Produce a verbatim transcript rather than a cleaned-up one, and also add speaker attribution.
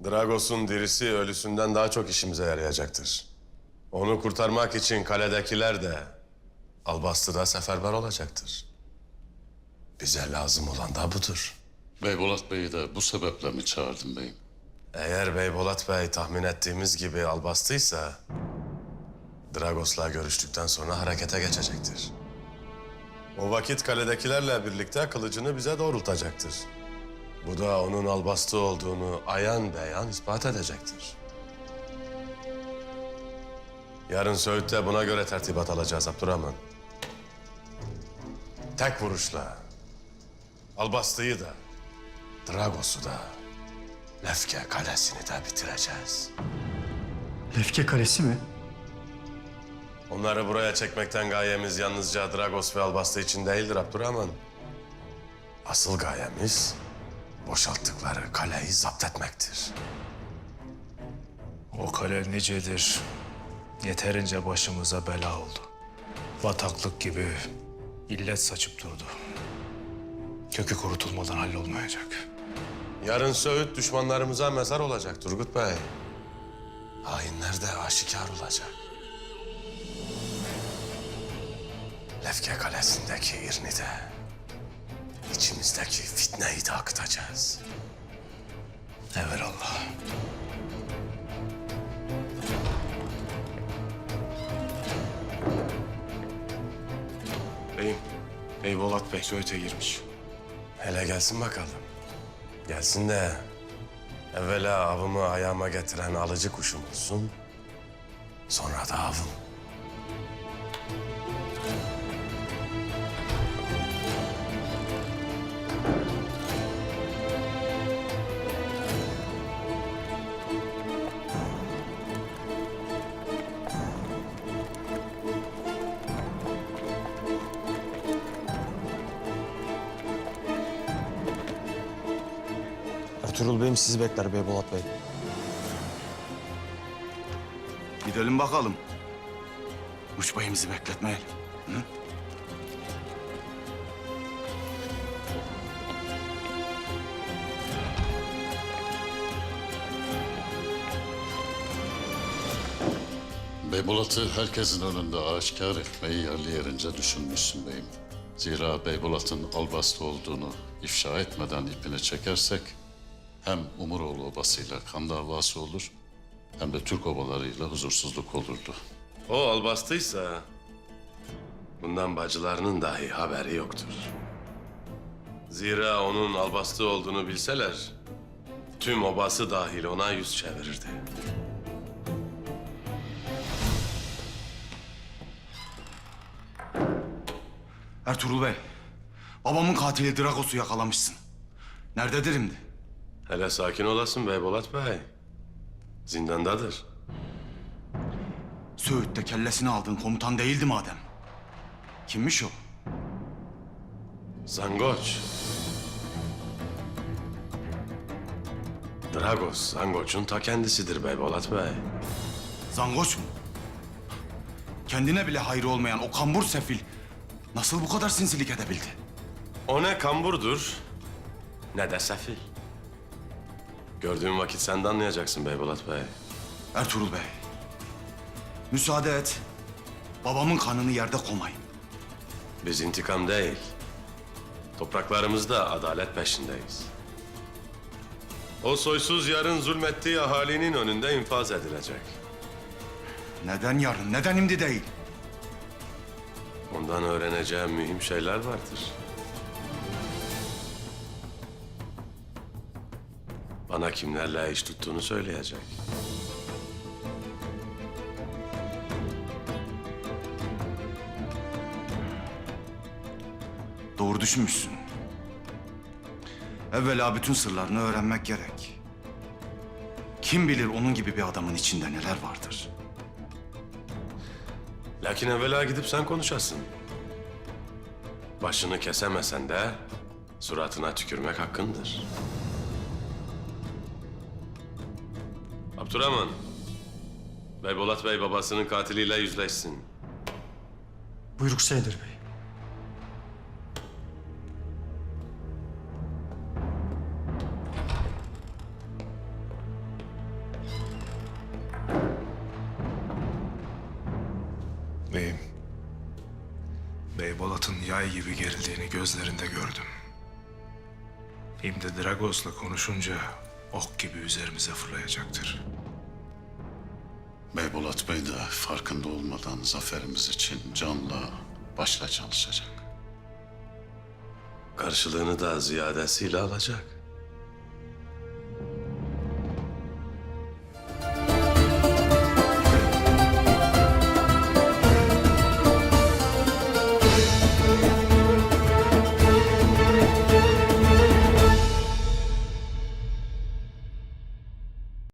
Speaker 1: Dragos'un dirisi ölüsünden daha çok işimize yarayacaktır. Onu kurtarmak için kaledekiler de, Albastı'da seferber olacaktır. Bize lazım olan da budur.
Speaker 2: Beybolat Bey'i de bu sebeple mi çağırdın beyim?
Speaker 1: Eğer Beybolat Bey tahmin ettiğimiz gibi Albastı'ysa, Dragos'la görüştükten sonra harekete geçecektir. O vakit kaledekilerle birlikte kılıcını bize doğrultacaktır. Bu da onun Albastı olduğunu ayan beyan ispat edecektir. Yarın Söğüt'te buna göre tertibat alacağız Abdurrahman. Tek vuruşla Albastı'yı da, Dragos'u da, Lefke Kalesi'ni de bitireceğiz.
Speaker 3: Lefke Kalesi mi?
Speaker 1: Onları buraya çekmekten gayemiz yalnızca Dragos ve Albastı için değildir Abdurrahman. Asıl gayemiz boşalttıkları kaleyi zapt etmektir.
Speaker 4: O kale nicedir. Yeterince başımıza bela oldu. Bataklık gibi illet saçıp durdu. Kökü kurutulmadan hallolmayacak.
Speaker 1: Yarın Söğüt düşmanlarımıza mezar olacak Turgut Bey. Hainler de aşikar olacak. Lefke Kalesi'ndeki irini de, içimizdeki fitneyi de akıtacağız.
Speaker 4: Evelallah.
Speaker 5: Beyim, Beybolat Bey Söğüt'e girmiş.
Speaker 1: Hele gelsin bakalım. Gelsin de evvela avımı ayağıma getiren alıcı kuşum olsun. Sonra da avım.
Speaker 6: Ertuğrul Bey'im sizi bekler Beybolat Bey.
Speaker 5: Gidelim bakalım. Uç bayımızı bekletmeyelim. Hı?
Speaker 2: Beybolat'ı herkesin önünde aşikar etmeyi yerli yerince düşünmüşsün beyim. Zira Beybolat'ın Albastı olduğunu ifşa etmeden ipini çekersek hem Umuroğlu obasıyla kan davası olur hem de Türk obalarıyla huzursuzluk olurdu.
Speaker 1: O Albastı'ysa bundan bacılarının dahi haberi yoktur. Zira onun Albastı olduğunu bilseler tüm obası dahil ona yüz çevirirdi.
Speaker 5: Ertuğrul Bey, babamın katili Dragos'u yakalamışsın. Nerededir şimdi?
Speaker 1: Hele sakin olasın Beybolat Bey. Zindandadır.
Speaker 5: Söğüt'te kellesini aldığın komutan değildi madem. Kimmiş o?
Speaker 1: Zangoç. Dragos, Zangoç'un ta kendisidir Beybolat Bey.
Speaker 5: Zangoç mu? Kendine bile hayrı olmayan o kambur sefil nasıl bu kadar sinsilik edebildi?
Speaker 1: O ne kamburdur, ne de sefil. Gördüğün vakit sen de anlayacaksın Beybolat Bey.
Speaker 5: Ertuğrul Bey, müsaade et. Babamın kanını yerde koymayın.
Speaker 1: Biz intikam değil, topraklarımızda adalet peşindeyiz. O soysuz yarın zulmettiği ahalinin önünde infaz edilecek.
Speaker 5: Neden yarın, neden şimdi değil?
Speaker 1: Ondan öğreneceğim mühim şeyler vardır. Bana kimlerle iş tuttuğunu söyleyecek.
Speaker 5: Doğru düşünmüşsün. Evvela bütün sırlarını öğrenmek gerek. Kim bilir onun gibi bir adamın içinde neler vardır.
Speaker 1: Lakin evvela gidip sen konuşasın. Başını kesemesen de suratına tükürmek hakkındır. Abdurrahman, Beybolat Bey babasının katiliyle yüzleşsin.
Speaker 3: Buyruk Seydir Bey.
Speaker 4: Beyim, Beybolat'ın yay gibi gerildiğini gözlerinde gördüm. Şimdi Dragos'la konuşunca ok gibi üzerimize fırlayacaktır.
Speaker 2: Beybolat Bey de farkında olmadan zaferimiz için canla başla çalışacak.
Speaker 1: Karşılığını da ziyadesiyle alacak.